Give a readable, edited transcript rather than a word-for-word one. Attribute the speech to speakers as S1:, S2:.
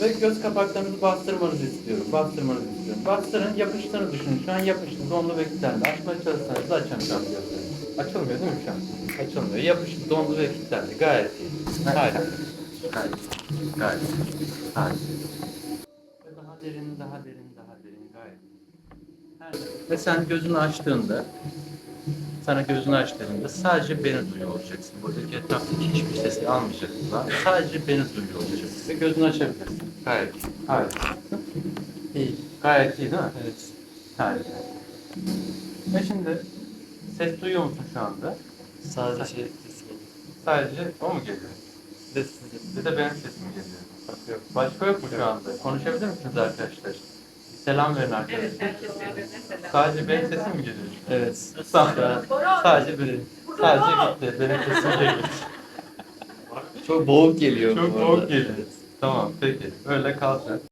S1: Ve göz kapaklarınızı bastırmanızı istiyorum. Bastırmanızı istiyorum. Bastırın, yapıştığını düşünün. Şu an yapıştı, dondu ve kilitlendi. Açmaya çalışsanız da açamayacağım gözlerinizi. Açılmıyor değil mi şu an? Açılmıyor. Yapıştı, dondu ve kilitlendi. Gayet iyi. Harika. Gayet iyi. Gayet iyi. Harika. Ve daha derin, daha derin, daha derin. Gayet iyi. Ve sen gözünü açtığında, sana gözünü açtığında sadece beni duyuyor olacaksın. Buradaki etraftaki hiçbir sesi almayacaksın. Sadece beni duyuyor olacaksın. Ve gözünü açabilirsin. Gayet iyi. Harika. İyi. Gayet iyi değil mi?
S2: Evet.
S1: Harika. Ve şimdi ses duyuyor musun şu anda?
S2: Sadece ses geliyor.
S1: Sadece o mu geliyor?
S2: Bir de sizin.
S1: Bir de benim sesim geliyor. Yok. Başka yok mu şu anda? Konuşabilir misiniz arkadaşlar? Selam verin arkadaşlar.
S3: Evet, herkes birbirine selam.
S1: Sadece benim sesim mi geliyor?
S2: Evet.
S1: Tamam.
S2: Şu an
S1: Sadece benim. Sadece gitti. Benim sesim geliyor.
S2: çok boğuk geliyor.
S1: Çok
S2: bu
S1: boğuk
S2: arada.
S1: geliyor. Tamam peki. Öyle kalsın.